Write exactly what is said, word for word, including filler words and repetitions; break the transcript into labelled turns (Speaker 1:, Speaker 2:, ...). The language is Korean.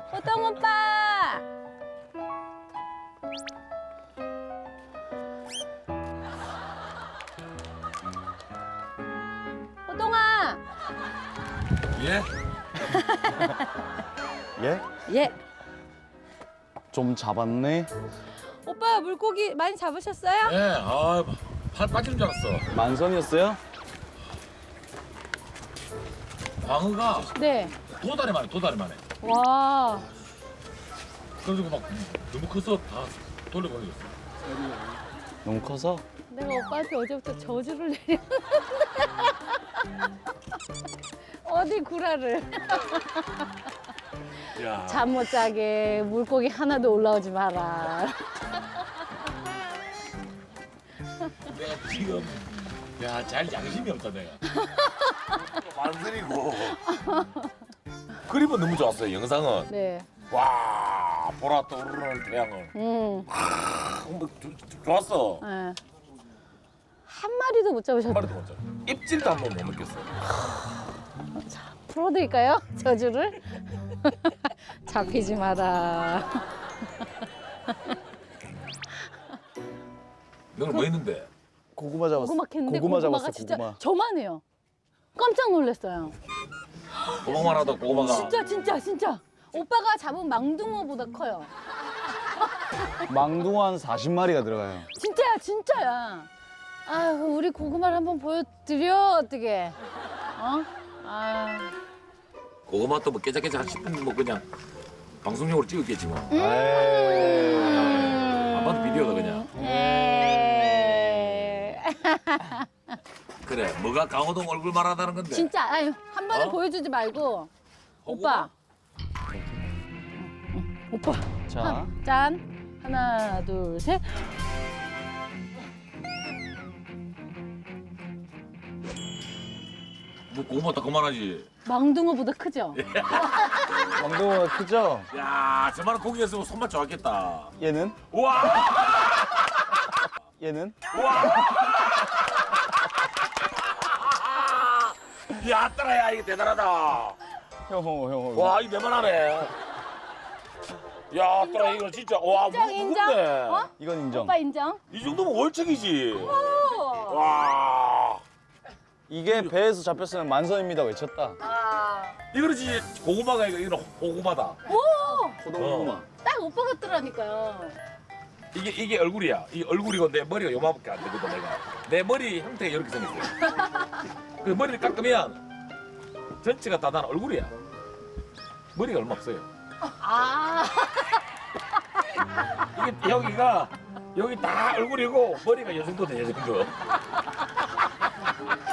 Speaker 1: 호동 오빠. 호동아.
Speaker 2: 예?
Speaker 3: 예?
Speaker 1: 예.
Speaker 3: 좀 잡았네.
Speaker 1: 오빠 물고기 많이 잡으셨어요?
Speaker 2: 예, 아, 팔 빠지는 줄 알았어.
Speaker 3: 만선이었어요?
Speaker 2: 광어가
Speaker 1: 네.
Speaker 2: 도다리만 해, 도다리만 해.
Speaker 1: 와.
Speaker 2: 그래가지고 막 너무 커서 다 돌려보내줬어.
Speaker 3: 너무 커서?
Speaker 1: 내가 오빠한테 어제부터 저주를 내렸는데. 어디 구라를.
Speaker 2: 야,
Speaker 1: 잠 못 자게 물고기 하나도 올라오지 마라.
Speaker 2: 내가 지금 야, 잘 양심이 없다 내가. 만들이고 그림은 너무 좋았어요. 영상은
Speaker 1: 네.
Speaker 2: 와 보라 떠오르는 태양을
Speaker 1: 음.
Speaker 2: 아, 뭐, 조- 조- 좋았어.
Speaker 1: 네. 한 마리도 못 잡으셨다.
Speaker 2: 말도 못해. 입질도 한 번 못 느꼈어.
Speaker 1: 풀어드릴까요? 저주를? 잡히지 마라.
Speaker 2: 너는 뭐 했는데?
Speaker 3: 고구마 잡았어.
Speaker 1: 고구마 캤는데
Speaker 3: 고구마
Speaker 1: 고구마가
Speaker 3: 잡았어,
Speaker 1: 진짜
Speaker 3: 고구마.
Speaker 1: 저만해요. 깜짝 놀랐어요.
Speaker 2: 고구마 하다 고구마가
Speaker 1: 진짜 진짜 진짜. 오빠가 잡은 망둥어보다 커요.
Speaker 3: 망둥어 한 사십 마리가 들어가요.
Speaker 1: 진짜야 진짜야. 아유 우리 고구마를 한번 보여드려 어떻게? 어? 아.
Speaker 2: 고구마 또 뭐 깨작깨작 한 십 분 뭐 그냥 방송용으로 찍었겠지 뭐.
Speaker 1: 음.
Speaker 2: 안 봐도 비디오다 그냥.
Speaker 1: 에이.
Speaker 2: 그래 뭐가 강호동 얼굴 말하다는 건데.
Speaker 1: 진짜 아유 한 번에
Speaker 2: 어?
Speaker 1: 보여주지 말고 오빠. 오빠.
Speaker 3: 자,
Speaker 1: 한, 짠. 하나, 둘, 셋.
Speaker 2: 뭐 고구마 다 그만하지.
Speaker 1: 망둥어보다 크죠?
Speaker 3: 망둥어가 크죠?
Speaker 2: 야 저만한 고기였으면 손맛 좋았겠다.
Speaker 3: 얘는?
Speaker 2: 우와.
Speaker 3: 얘는?
Speaker 2: 우와. 야 따라야 이게 대단하다.
Speaker 3: 형호, 형호.
Speaker 2: 와 이거 내만하네. 야 따라 이거 진짜 와
Speaker 1: 인정, 인정.
Speaker 2: 무겁네.
Speaker 1: 어?
Speaker 3: 이건 인정.
Speaker 1: 오빠 인정?
Speaker 2: 이 정도면 월척이지.
Speaker 1: 오.
Speaker 2: 와.
Speaker 3: 이게 배에서 잡혔으면 만선입니다 외쳤다.
Speaker 1: 아.
Speaker 2: 이거는 진짜 고구마가 이거 이거 호구마다.
Speaker 1: 오!
Speaker 3: 호동
Speaker 2: 어.
Speaker 3: 고구마.
Speaker 1: 딱 오빠 같더라니까요.
Speaker 2: 이게 이게 얼굴이야. 이 얼굴이고 내 머리가 요만밖에 안 되거든 내가. 내 머리 형태가 이렇게 생겼어요. 그 머리를 깎으면 전체가 다 난 얼굴이야. 머리가 얼마 없어요.
Speaker 1: 아.
Speaker 2: 이게 여기가 여기 다 얼굴이고 머리가 요 정도 돼, 요 정도.